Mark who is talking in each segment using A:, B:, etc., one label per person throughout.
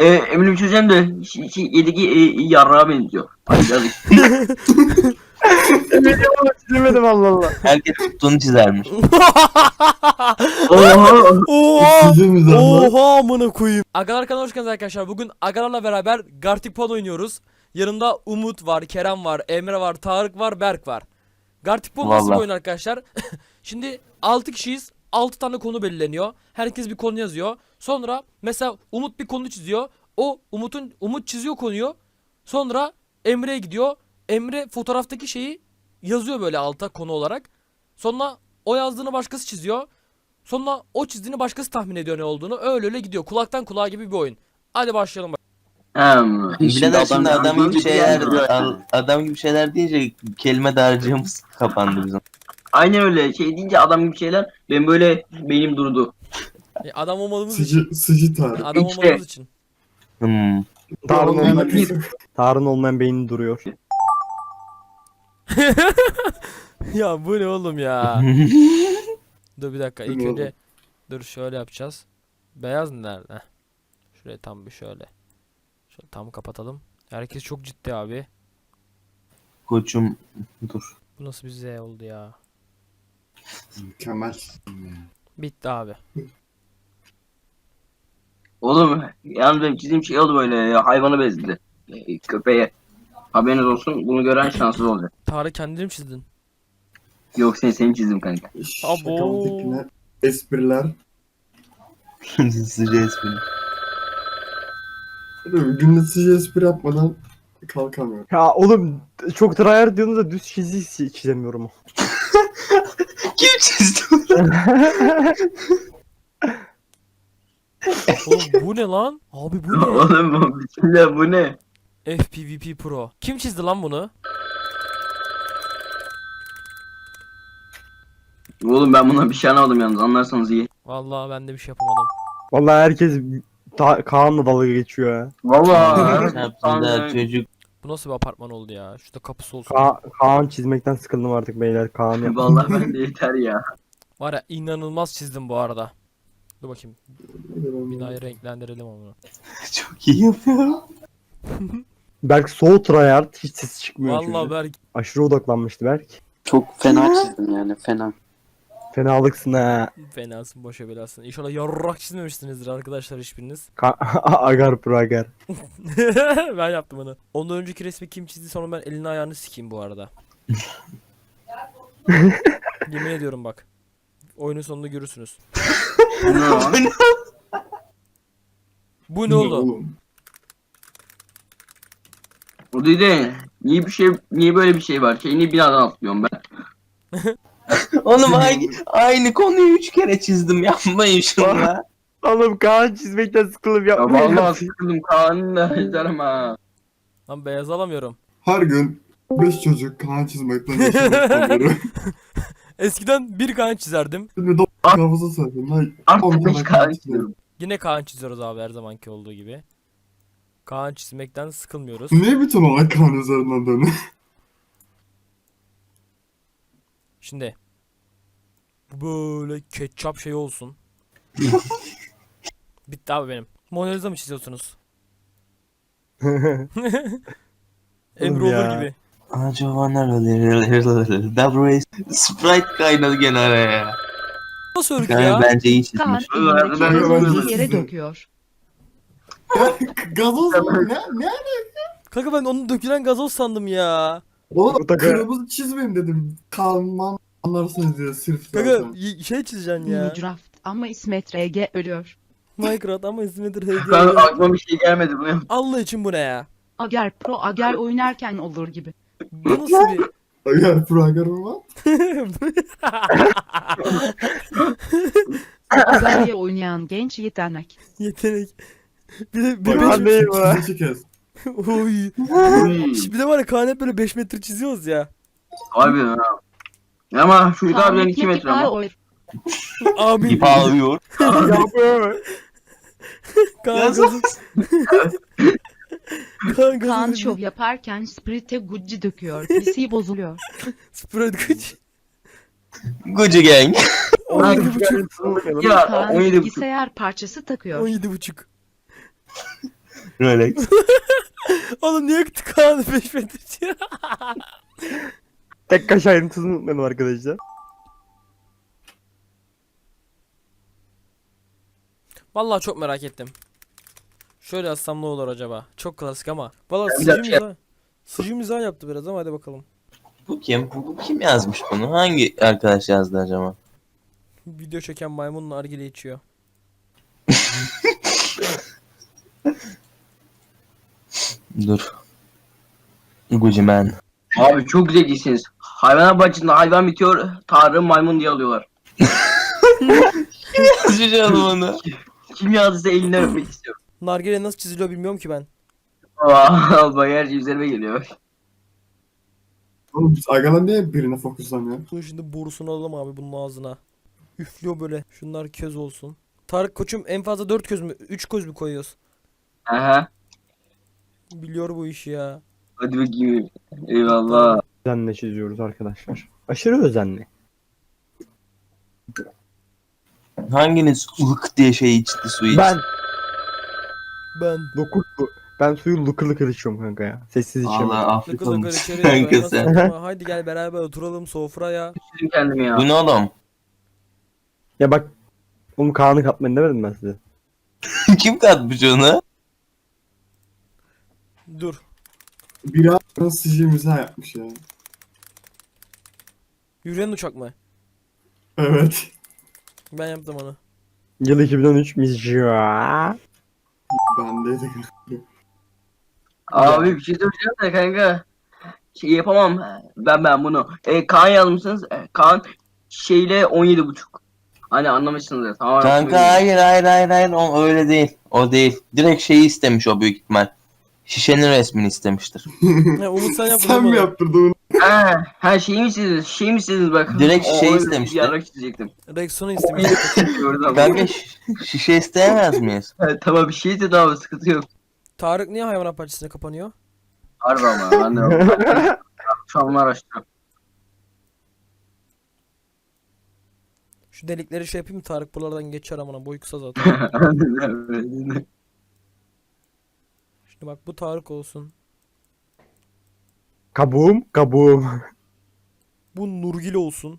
A: Eminim çözeceğim de yediki yarrağa benziyor. Ay yazık.
B: Çizemedim Allah Allah.
C: Herkes tuttuğunu çizermiş.
A: Oha.
D: Oha!
B: Çizimiz ama.
D: Oha amına koyayım. Agalar kanalına hoş geldiniz arkadaşlar. Bugün Agalarla beraber Gartic Pod oynuyoruz. Yanımda Umut var, Kerem var, Emre var, Tarık var, Berk var. Gartic Pod nasıl bir
C: Vallahi.
D: oyun arkadaşlar? Şimdi 6 kişiyiz. 6 tane konu belirleniyor. Herkes bir konu yazıyor. Sonra mesela Umut bir konu çiziyor. Umut çiziyor konuyu. Sonra Emre'ye gidiyor. Emre fotoğraftaki şeyi yazıyor böyle alta konu olarak. Sonra o yazdığını başkası çiziyor. Sonra o çizdiğini başkası tahmin ediyor ne olduğunu. Öyle öyle gidiyor. Kulaktan kulağa gibi bir oyun. Hadi başlayalım.
C: Birader şimdi adam gibi şeyler
A: yani.
C: adam gibi şeyler deyince kelime dağarcığımız kapandı bizim.
A: Aynen öyle şey deyince adam gibi şeyler ben böyle beynim durdu.
D: Adam olmadığımız için.
B: Sıcı tarih.
D: Adam
A: İşte.
D: olmadığımız için.
B: Tarın olmayan beynin duruyor.
D: Ya bu ne oğlum ya? Dur bir dakika. İlk
B: Bu ne
D: önce dur şöyle yapacağız. Beyaz nerede? Heh. Şuraya tam bir şöyle. Şöyle tam kapatalım. Herkes çok ciddi abi.
C: Koçum dur.
D: Bu nasıl bir Z oldu ya?
B: Mükemmel.
D: Bitti abi.
A: Oğlum yalnız benim çizdiğim şey oldu böyle ya, hayvanı benzedi. Köpeğe. Haberiniz olsun bunu gören şanssız olacak.
D: Tarık kendini mi çizdin?
A: Yok seni çizdim kanka.
D: Abo.
B: Şakalı espriler.
C: Sıcı espri.
B: Günde sıcı espri yapmadan kalkamıyorum.
E: Ya oğlum çok tryhard diyorsunuz da düz çizemiyorum.
C: Kim çizdi?
D: Oğlum bu ne lan? Abi bu ne?
A: Oğlum bu bismillah bu ne?
D: FPVP Pro. Kim çizdi lan bunu?
A: Oğlum ben buna bir şey anlamadım yalnız anlarsanız iyi.
D: Vallahi ben de bir şey yapamadım.
E: Vallahi herkes Kaan'la dalga geçiyor ya.
A: Vallahi.
C: Çarpsınlar çocuk.
D: Bu nasıl bir apartman oldu ya? Şurada kapısı olsun.
E: Kaan çizmekten sıkıldım artık beyler. Kaan yap.
A: Vallahi ben de yeter ya.
D: Var ya inanılmaz çizdim bu arada. Dur bakayım. Binayı renklendirelim onu.
C: Çok iyi yapıyor.
E: Berk so tryhard hiç ses çıkmıyor
D: Vallahi
E: çocuğun.
D: Berk.
E: Aşırı odaklanmıştı Berk.
F: Çok fena çizdim yani fena.
E: Fenalıksın ha.
D: Fenasın boşa belasın. İnşallah yarrak çizmemişsinizdir arkadaşlar hiçbiriniz.
E: Agar pro agar.
D: Ben yaptım onu. Ondan önceki resmi kim çizdi sonra ben elini ayağını sikeyim bu arada. Yemin ediyorum bak. Oyunun sonunda görürsünüz.
A: Bu ne lan?
D: Bu ne oldu?
B: Oğlum.
A: O değil. Niye böyle bir şey var? Niye binadan atlıyorum ben?
C: Oğlum aynı konuyu 3 kere çizdim, yapmayın şunu ya.
E: Oğlum Kaan çizmekten sıkılıp
A: Ya
E: yapmayın.
A: vallahi sıkıldım Kaan'ı da izlerim ha.
D: Lan beyaz alamıyorum.
B: Her gün 5 çocuk kan çizmekten yaşamaktadır.
D: Eskiden bir Kaan çizerdim.
B: Şimdi de kafası saydım.
A: Artık 5 Kaan çiziyorum.
D: Yine Kaan çiziyoruz abi her zamanki olduğu gibi. Kaan çizmekten sıkılmıyoruz.
B: Niye bütün olay kan üzerinden dönüyor?
D: Şimdi bu böyle ketçap şey olsun. Bitti abi benim. Mona Lisa mı çiziyorsunuz? Emre olur
E: ya.
D: gibi.
C: Double Sprite kaynadı gene araya.
D: Nasıl örgü
C: Yani
D: ya?
C: bence iyi
G: Kaan
C: çizmiş.
G: elindeki
A: Ben-
G: gazozu
B: ben-
G: yere döküyor.
B: Gazoz mu? Ne?
D: Kanka ben onun dökülen gazoz sandım ya.
B: Oğlum
E: Bu da-
B: kırmızı çizmeyin dedim. Kanman anlarsınız diye sırf
D: Kanka
B: zaten.
D: şey çizeceksin ya.
G: Minecraft ama İsmet RG ölüyor.
D: Minecraft ama ismidir
A: Ben
D: HG.
A: aklıma bir şey gelmedi bunu yap.
D: Allah için bu ne ya?
G: Ager Pro Ager oynarken olur gibi.
D: Bu nasıl bir...
B: Agar programı var.
G: Ager'le oynayan genç yetenek.
D: Yetenek. Bir de
B: Bak,
E: Kaan değil bu ha.
B: çizişi kes.
D: Oy. Bir de var ya Kaan hep böyle 5 metre çiziyoruz ya.
A: Abi ya. Ama şu abilerin 2 metre
G: Kaan
A: ama.
G: oy.
D: Abi
C: İp ağlıyor.
E: Yapıyor.
D: Kaan
C: Gazoz.
D: gazoz. Kaan
G: Kaan
D: gazoz.
G: şov yaparken Sprite Gucci döküyor. PC bozuluyor.
D: Spread güç.
C: Gucci Gang.
D: 17,5.
A: Ya
G: Kaan
A: 17,5.
G: bilgisayar parçası takıyor.
D: 17,5.
C: Rolex.
D: Oğlum niye Kaan'ı 5 metre?
E: Tek kaş ayrıntısını unutmayalım arkadaşlar.
D: Vallahi çok merak ettim. Şöyle yazsam ne olur acaba? Çok klasik ama. Vallahi
A: Güzel
D: sıcı
A: bir şey
D: mizah. Sıcı mizah yaptı biraz ama hadi bakalım.
C: Bu kim? Bu kim yazmış bunu? Hangi arkadaş yazdı acaba?
D: Video çeken maymun nargile içiyor.
C: Dur. Gucci Man.
A: Abi çok zekisiniz. Hayvanat bahçesinde hayvan bitiyor. Tanrı maymun diye alıyorlar.
C: Yazmış oğlum onu.
A: Kim yazdıysa elinden öpmek istiyorum.
D: Nargile nasıl çiziliyor bilmiyorum ki ben.
A: Aa, bak her şey üzerime geliyor.
B: Oğlum biz Agalan niye birine fokuslanıyor?
D: Bunun şimdi borusunu alalım abi bunun ağzına. Üflüyor böyle. Şunlar köz olsun. Tarık koçum en fazla 4 köz mü? 3 köz mü koyuyoruz?
A: Aha.
D: Biliyor bu işi ya.
A: Hadi bakayım. Eyvallah.
E: Özenle çiziyoruz arkadaşlar. Aşırı özenli.
C: Hanginiz ılık diye şey içti su içti?
D: Ben.
E: Lokur bu. Ben suyu lıkır lıkır içiyorum kanka ya. Sessiz içiyorum.
C: Allah afiyet
D: Lıkır lıkır
C: olsun
D: içeri
C: kanka
D: yapıyor.
C: sen.
D: Nasıl ama? Haydi gel beraber oturalım sofraya.
A: Üzüldüm kendimi ya.
C: Bu ne oğlum?
E: Ya bak. Oğlum Kaan'ı katmayın demedim ben size.
C: Kim katmış onu?
D: Dur.
B: Biri nasıl sicimize yapmış ya.
D: Yürüyen uçak mı?
B: Evet.
D: Ben yaptım onu.
E: Yıl 2013 Mizca.
B: Bendeydi.
A: Abi bir şey söyleyeceğim de kanka. Şey yapamam. Ben bunu. Kaan yazmışsınız. Kaan şeyle 17,5. Hani anlamışsınız tamam.
C: Kanka hayır o öyle değil. O değil. Direkt şeyi istemiş o büyük ihtimal. Şişenin resmini istemiştir.
D: He, Umut sen yaptın
B: Sen
D: değil
B: mi
D: mi?
B: yaptırdın onu?
A: Ha şey mi sizdiniz? Şey mi sizdiniz bak.
C: Direkt şey
A: Onu
C: istemişti.
A: Yarak çizecektim.
D: Rexon'u istemiş.
A: Gördüm.
C: Kanka şişe isteyemez miyiz?
A: Tamam bir şey dedi abi sıkıntı yok.
D: Tarık niye hayvanat bahçesine kapanıyor?
A: Harbi ama ben de şu an onu araştırıyorum.
D: Şu delikleri şey yapayım mı Tarık buralardan geçer amına boy kısa zaten. Şimdi bak bu Tarık olsun.
E: Kabuğum, kabuğum.
D: Bu Nurgül olsun.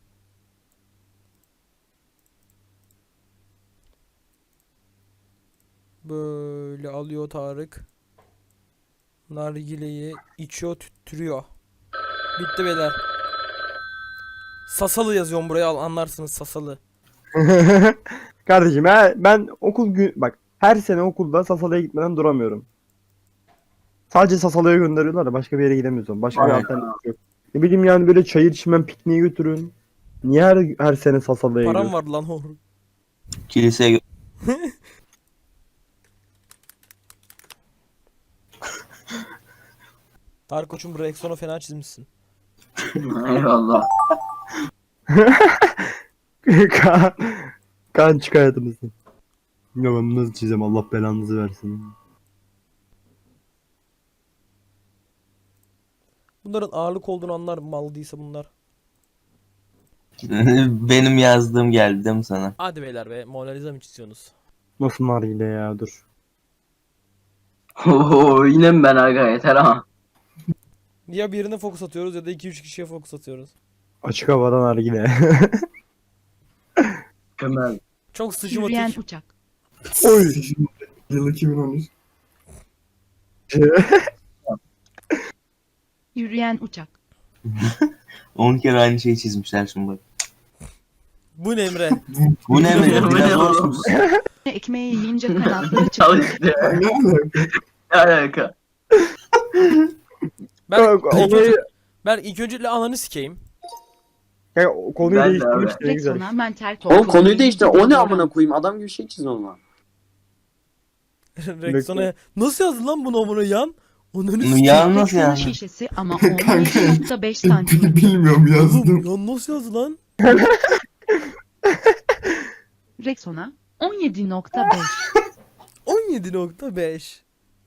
D: Böyle alıyor Tarık. Nargileyi içiyor tüttürüyor. Bitti beyler. Sasalı yazıyorum buraya anlarsınız Sasalı.
E: Kardeşim ben okul gün bak her sene okulda Sasalı'ya gitmeden duramıyorum. Sadece Sasalı'ya gönderiyorlar da başka bir yere gidemiyorsun. Başka bir
A: Aynen.
E: alternatif yok. Ne bileyim yani böyle çayır çimen pikniğe götürün. Niye her sene Sasalı'ya
D: Param
E: gidiyorsun?
D: var lan o.
C: Kiliseye
D: Tarık koçum bu Rexon'u fena çizmişsin.
A: Eyvallah.
E: Kaan, Kaan çık hayatımızdan. Ya ben nasıl çizeceğim Allah belanızı versin.
D: Bunların ağırlık olduğunu anlar mal değilse bunlar.
C: benim yazdığım geldi değil mi sana?
D: Hadi beyler be Mona Lisa mı çiziyorsunuz?
E: Nasıl nargile ya dur.
A: Oo, yine mi ben aga yeter ha.
D: Ya birine fokus atıyoruz ya da 2-3 kişiye fokus atıyoruz.
E: Açık havada nargile.
A: Mükemmel.
D: Çok
G: Yürüyen
D: sıcımatik.
G: uçak.
E: Oy.
B: Yıl 2013.
G: Yürüyen uçak.
C: 10 kere aynı şeyi çizmişler şimdi bak.
D: Bu ne Emre?
C: Bu ne mi?
A: Bu ne
C: Biraz
A: oğlum?
C: olsun.
G: Ekmeği yiyince kanatları
A: Al
G: çıkıyor.
A: işte.
B: Ne alaka?
A: Ne alaka?
D: Ben ilk öncelikle ananı sikeyim.
E: Ya, o konuyu
A: Ben de
E: değiştirmiş
A: abi.
E: ne güzel.
G: Rexona mental
F: Oğlum konuyu
G: kontrolü
F: değiştir.
G: ilgili
F: O ne
G: bir
F: amına koyayım? Adam gibi şey çiz ona.
D: Rexon'a nasıl yazdın lan bunu amına yan? Onun
C: Bunu
D: üstü.
C: yalnız
G: Rexona
C: yani.
G: şişesi ama 17.5 santim.
B: Bilmiyorum yazdım.
D: Oğlum yan nasıl yazdı lan?
G: Rexona 17.5.
D: 17.5.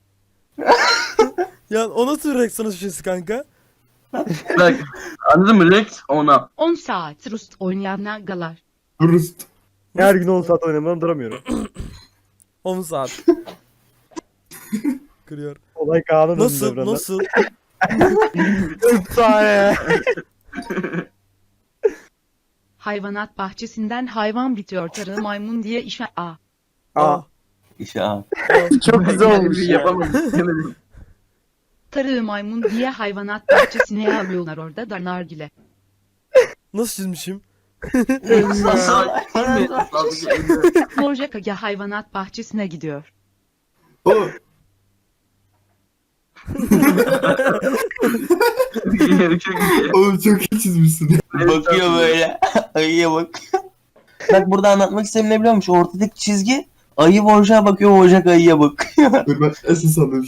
D: Ya o nasıl Rexon'a şişesi kanka?
A: Bak anladın mı Rex ona.
G: 10 saat Rust oynayan nagalar.
B: Rust.
E: Her gün 10 saat oynamadan duramıyorum.
D: 10 saat. Kırıyor.
E: Olay Kaan'ın
D: Nasıl?
E: önünde burada.
D: Nasıl?
E: Efsane.
G: Hayvanat bahçesinden hayvan bitiyor. Tarı maymun diye işe a.
E: Aa,
C: İşte aa.
E: çok güzel olmuş ya.
A: Yapamadım. Demedim.
G: Tarı maymun diye hayvanat bahçesine yağmıyorlar orada da nargile.
D: Nasıl çizmişim?
G: Borca Kaya hayvanat bahçesine gidiyor.
B: O
A: Çok iyi.
B: oğlum çok iyi çizmişsin.
C: Bakıyor böyle. Ayıya bak. Bak burada anlatmak istediğim ne biliyor musun? Ortadaki çizgi ayı Bojack'a bakıyor, Bojack ayıya bakıyor.
B: Dur ben esas alayım.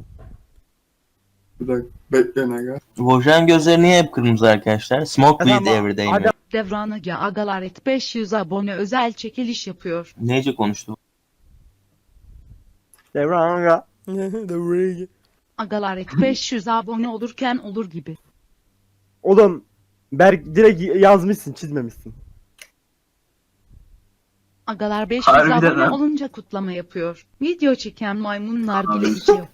B: Bir dakika bekleyin aga.
C: Bojack'ın gözleri niye hep kırmızı arkadaşlar? Smoke
E: Adam-
C: weed every day mi?
E: adam-
G: Devran Aga Agalar et 500 abone özel çekiliş yapıyor.
C: Nece konuştu?
E: Devran aga.
G: Agalar et 500 abone olurken olur gibi.
E: Oğlum Berk direkt yazmışsın, çizmemişsin.
G: Agalar 500
A: Harbiden
G: abone
A: ha.
G: olunca kutlama yapıyor. Video çeken maymun nargile içiyor.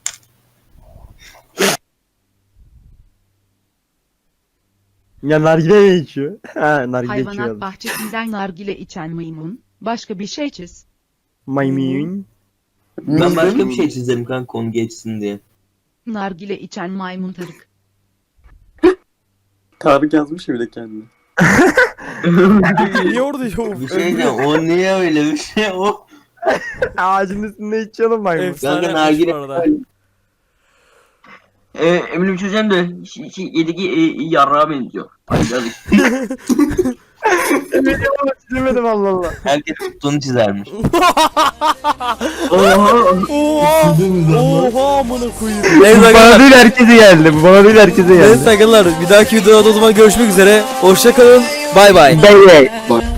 E: Ya nargile ne içiyor? Ha, nargile
G: Hayvanat
E: içiyor.
G: bahçesinden nargile içen maymun. Başka bir şey çiz.
E: Maymun.
C: Ben başka bir şey çizerim kanka konu geçsin diye.
G: Nargile içen maymun Tarık.
F: Tarık yazmış ya bir de kendine.
D: Niye orada yok?
C: Bir şey diyeceğim, o niye öyle bir şey o?
E: Ağacın üstünde içiyor oğlum maymun.
D: Efsane
C: Kanka
D: yapmış bu
C: nargile-
D: arada.
A: Eminim çözeceğim de yediki yarrağa benziyor. Hadi hadi.
E: Çizemedim Allah Allah.
C: Herkes tuttuğunu çizermiş.
A: Oha.
D: Oha!
B: Çizdiniz ama.
D: Oha amına koyayım.
E: Bu
D: Neyse
E: bana
D: arkadaşlar.
E: değil herkese geldi. Bu bana değil herkese geldi.
D: Neyse arkadaşlar. Bir dahaki videoda o zaman görüşmek üzere. Hoşça kalın. Bay bay.
E: Bay bay.
B: Bak